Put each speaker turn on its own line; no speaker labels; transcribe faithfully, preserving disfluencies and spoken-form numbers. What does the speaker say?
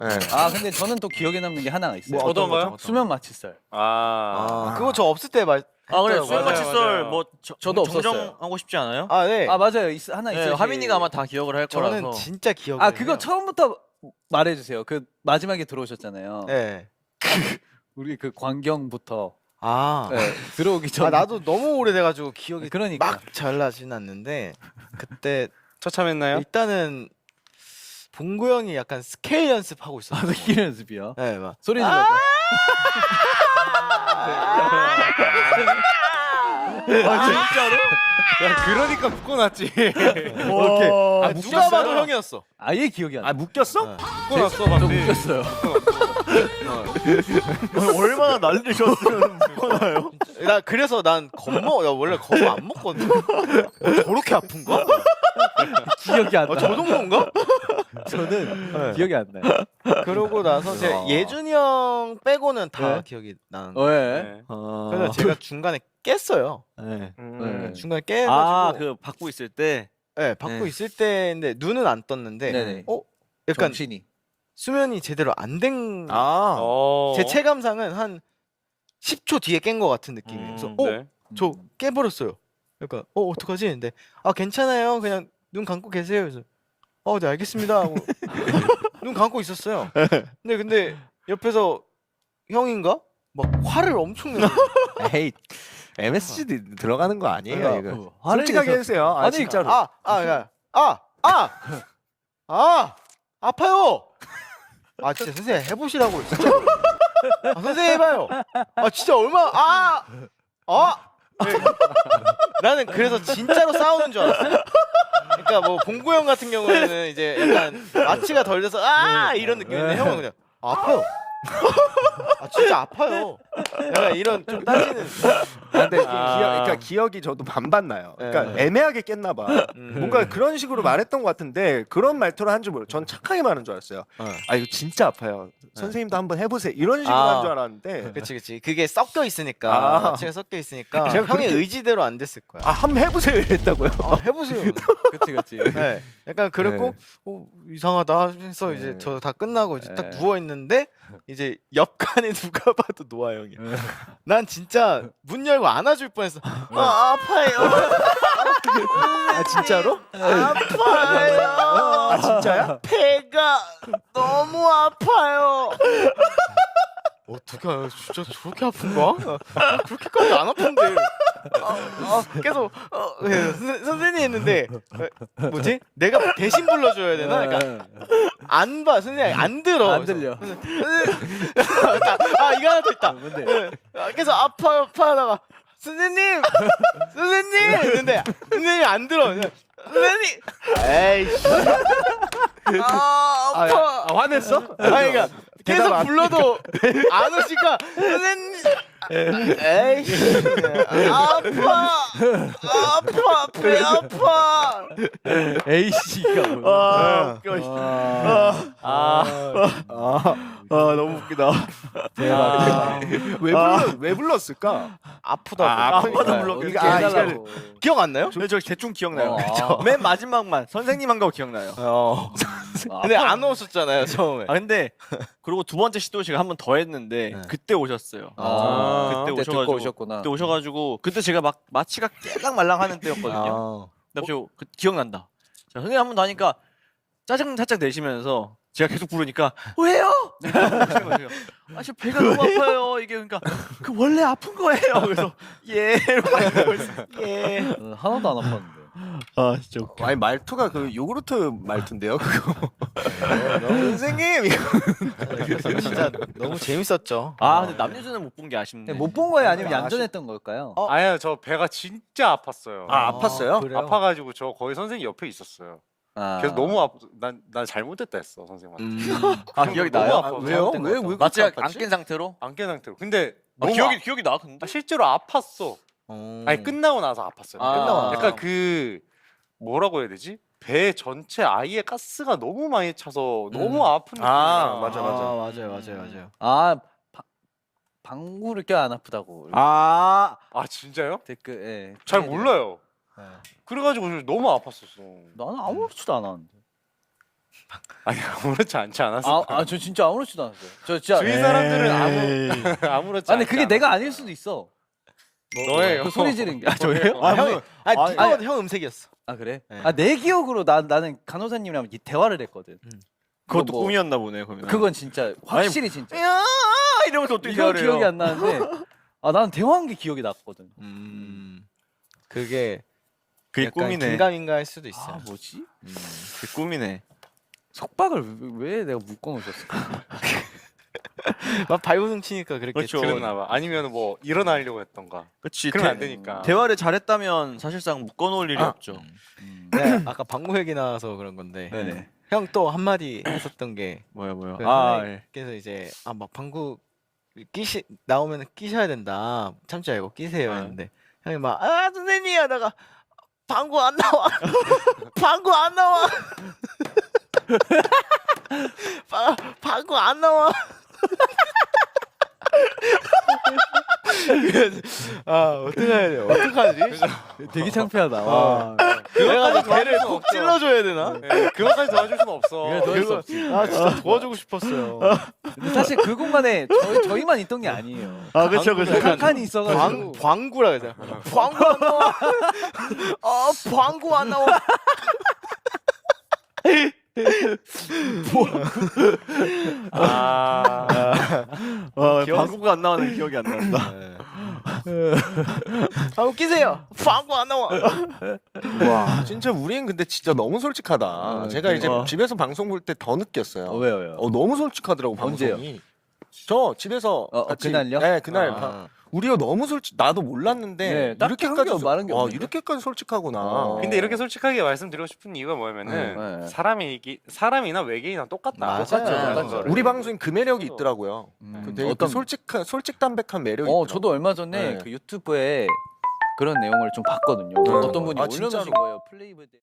네.
아 근데 저는 또 기억에 남는 게 하나가 있어요.
뭐 어떤
거요?
수면 마취설.
아,
아, 그거 저 없을 때 말.
아 그래
했더라고요.
수면
맞아요,
마취설
맞아요.
뭐 저,
저도 없었어요.
정정하고 싶지 않아요?
아 네.
아 맞아요. 있, 하나
네,
있어요.
하민이가 아마 다 기억을 할
저는
거라서.
진짜 기억이.
아 그거 처음부터 말해주세요. 그 마지막에 들어오셨잖아요.
네.
우리 그 광경부터
아.
네, 들어오기 전.
아 나도 너무 오래돼가지고 기억이
그러니까.
막 잘 나진 않는데 그때
처참했나요?
일단은 봉구 형이 약간 스케일 연습하고 있었어요.
아, 길 연습이요.
네, 막
소리 질러봐.
아 진짜로?
야, 그러니까 묶어놨지.
오케이. 아, 누가 봐도 형이었어.
아예 기억이 안 나.
아 묶였어?
네.
묶어놨어
저
방금.
웃겼어요.
얼마나 난리셨으면 묶어놔요?
나 그래서 난 겁먹. 나 원래 겁 안 먹거든. 저렇게 아픈가?
기억이 안
아,
나.
저 정도인가?
저는
네.
기억이 안 나요.
그러고 나서 제
어.
예준이 형 빼고는 다
네?
기억이 나는데.
어, 예.
네.
그래서 제가 중간에 깼어요.
네.
음.
네.
중간에 깨가지고.
아그 받고 있을 때.
네, 받고
네.
있을 때인데 눈은 안 떴는데.
네네.
어, 약간
정신이.
수면이 제대로 안 된.
아.
어.
제 체감상은 한 십 초 뒤에 깬 것 같은 느낌이에요. 그래서
음,
어,
네.
저 깨버렸어요. 그러니까 어 어떡하지? 근데 아 괜찮아요. 그냥 눈 감고 계세요. 그래서 어, 네 알겠습니다. 하고 눈 감고 있었어요. 근데 근데 옆에서 형인가 막 화를 엄청 내요.
에이 엠에스지 들어가는 거 아니에요 이거.
그 화를
솔직하게
내서-
해주세요. 아
아니,
진짜로.
아, 아, 야, 아, 아, 아, 아파요. 아 진짜 선생님 해보시라고 진짜. 아, 선생님 해봐요. 아 진짜 얼마 아, 아. 네. 나는 그래서 진짜로 싸우는 줄 알았어. 그러니까 뭐 봉구 형 같은 경우에는 이제 약간 마취가 덜 돼서 아 이런 느낌인데 형은 그냥 아파요. 아 진짜 아파요. 약간 이런 좀 따지는.
아, 근데
아.
기억, 그러니까 기억이 저도 반반 나요. 그러니까
네.
애매하게 깼나 봐.
음.
뭔가 그런 식으로 말했던 것 같은데 그런 말투를 한 줄 몰라. 전 착하게 말한 줄 알았어요.
어.
아 이거 진짜 아파요. 선생님도 한번 해보세요. 이런 식으로
아.
한 줄 알았는데.
그치 그치 그게 섞여 있으니까
아.
마취가 섞여 있으니까
제가
형의
그렇게-
의지대로 안 됐을 거야.
아 한번 해보세요 이랬다고요.
아, 해보세요.
그치 그치.
네, 약간 그랬고
네.
어, 이상하다 해서
네.
이제 저 다 끝나고 이제 딱
네.
누워 있는데 이제 옆칸에 누가 봐도 노아 형이야.
네.
난 진짜 문 열고 안아줄 뻔했어. 아 아파요.
아 진짜로?
아파요.
아 진짜야?
배가 너무 아파요. 어떡해 진짜 저렇게 아픈가? 아, 그렇게까지 안 아픈데. 아, 아, 계속 어, 예, 선, 선생님 했는데 어, 뭐지? 내가 대신 불러줘야 되나? 그러니까 안 봐, 선생님 안 들어.
안 들려.
그래서, 선생님, 아 이거 하나 더 있다.
뭔데?
아, 계속 아파요, 아파하다가 선생님, 선생님 했는데 선생님이 안 들어. 선생님, 에이씨, 아 아파.
아 화냈어?
아니 그러니까
대답
계속
안
불러도 안 오시니까 선생님 에이씨 아파 아파 배 아파
A씨가 뭐야?
아 웃겨
아,
아 너무 웃기다
대박.
왜 불러 왜 불렀을까?
아프다고
아,
아프다
아,
불러
이거- 아,
해달라고.
기억 안 나요?
근데 저 대충 기억나요.
어.
맨 마지막만 선생님 한 거 기억나요.
어 근데 안 오셨잖아요 처음에
아 근데 그리고 두 번째 시도식을 한 번 더 했는데
네.
그때 오셨어요.
아,
그때
그때
오셔가지고
듣고 오셨구나.
그때 오셔가지고 그때 제가 막 마취가 깨랑말랑하는 때였거든요.
아.
근데 갑자기 그, 기억난다. 자, 선생님 한 번 더 하니까 짜증 살짝 내시면서 제가 계속 부르니까 왜요? 아 지금 배가 너무 아파요. 이게 그러니까 그 원래 아픈 거예요. 그래서 예 이러고 있어요. 예.
어, 하나도 안 아팠는데.
아 진짜 웃겨.
아니 말투가 그 요구르트 말투인데요 그거. 선생님 이거.
진짜 너무 재밌었죠.
아 근데 남녀준은 못 본 게 아쉽네.
못 본 거예요, 아니면
아,
얌전했던 걸까요?
어?
아니요, 저 배가 진짜 아팠어요.
아 아팠어요?
그래요?
아파가지고 저 거의 선생님 옆에 있었어요.
아.
그래서 너무 아프. 난난 잘못됐다 했어 선생님한테.
음.
아 기억이
너무
나요?
아파.
왜요?
잘못된
왜
것
왜
마취가
그렇게
안
아팠지?
깬 상태로?
안 깨 상태로. 근데
아,
너무
기억이
아-
기억이 나 근데.
아, 실제로 아팠어.
음.
아니 끝나고 나서 아팠어요.
아.
끝나고 나서. 약간 그 뭐라고 해야 되지? 배 전체 아예 가스가 너무 많이 차서 너무 아픈 느낌이야.
아, 맞아, 맞아.
아 맞아요 맞아요 맞아요.
아, 바, 방구를 껴 안 아프다고.
아
아 진짜요?
댓글, 예.
잘 몰라요.
네.
그래가지고 너무 아팠었어.
나는 아무렇지도 않았는데.
아니 아무렇지 않지 않았어.
아, 아, 저 진짜 아무렇지도 않았어요. 저 진짜.
주위 사람들은 아무 아무렇지
아, 근데
않지
그게
않았어.
내가 아닐 수도 있어.
너예요.
그 소리 지른 게. 아,
저예요?
아 형이 아니
아니,
네가
아니.
봐도 형 음색이었어.
아 그래?
네.
아 내 기억으로 나 나는 간호사님이랑 이 대화를 했거든.
그것도
뭐-
꿈이었나 보네 그러면.
그건 진짜 확실히 진짜.
야 이러면서 어떻게
이건
대화를
기억이
해요?
안 나는데 아 나는 대화한 게 기억이 났거든.
음. 그게
그게
약간
꿈이네.
긴가민가 할 수도 있어요.
아 뭐지?
그게 꿈이네.
속박을 왜, 왜 내가 묶어놓으셨을까?
막 발버둥 치니까 그랬겠죠.
그렇죠.
그랬나 봐. 아니면 뭐 일어나려고 했던가.
그렇지.
그러면 안 되니까.
대화를 잘했다면 사실상 묶어놓을 일이
아.
없죠.
네, 아까 방구 얘기 나와서 그런 건데
네네.
형 또 한마디 했었던 게
뭐야 뭐야.
그
아 예.
선생님께서 이제 아 막 방구 끼시 나오면 끼셔야 된다 참지 말고 끼세요
아.
했는데 형이 막 아 선생님 하다가 방구 안 나와 방구 안 나와 바, 방구 안 나와 그래서 아 어떡해야 돼 어떡하지
되게 창피하다. 와.
내가 배를 콕 찔러줘야 되나
네, 그것까지 도와줄 수는 없어.
그래, 도와줄 수
그거
없지.
아 진짜 도와주고 싶었어요
근데 사실 그 공간에 저희 저희만 있던 게 아니에요.
아 그쵸 그쵸
한 칸이 있어가지고.
광, 광구라 그러자 광구 안 나와 아 광구 안 나와
아,
어, 방구가 안 나오는 기억이 안 난다.
아 웃기세요 광구 안 나와
와 진짜 우린 근데 진짜 너무 솔직하다.
아,
제가 이제
어.
집에서 방송 볼 때 더 느꼈어요.
어, 왜요 왜요?
어 너무 솔직하더라고
언제요?
방송이. 저 집에서
어, 어,
같이-
그날요?
네 그날
아.
바- 우리가 너무 솔직 나도 몰랐는데
네, 딱히
이렇게까지
한게 말한 게
와
없는데?
이렇게까지 솔직하구나.
어.
근데 이렇게 솔직하게 말씀드리고 싶은 이유가 뭐냐면은
네, 네.
사람이 이기, 사람이나 외계인이나 똑같다.
맞아요.
똑같죠,
라는
똑같죠.
거를.
우리 방송이 그 매력이 있더라고요.
음,
그 되게 그
어떤
솔직한 솔직 담백한 매력이
어
있더라고요.
저도 얼마 전에
네.
그 유튜브에 그런 내용을 좀 봤거든요.
네.
어떤 분이
아,
올려놓으신
진짜로?
거예요. 플레이브 때.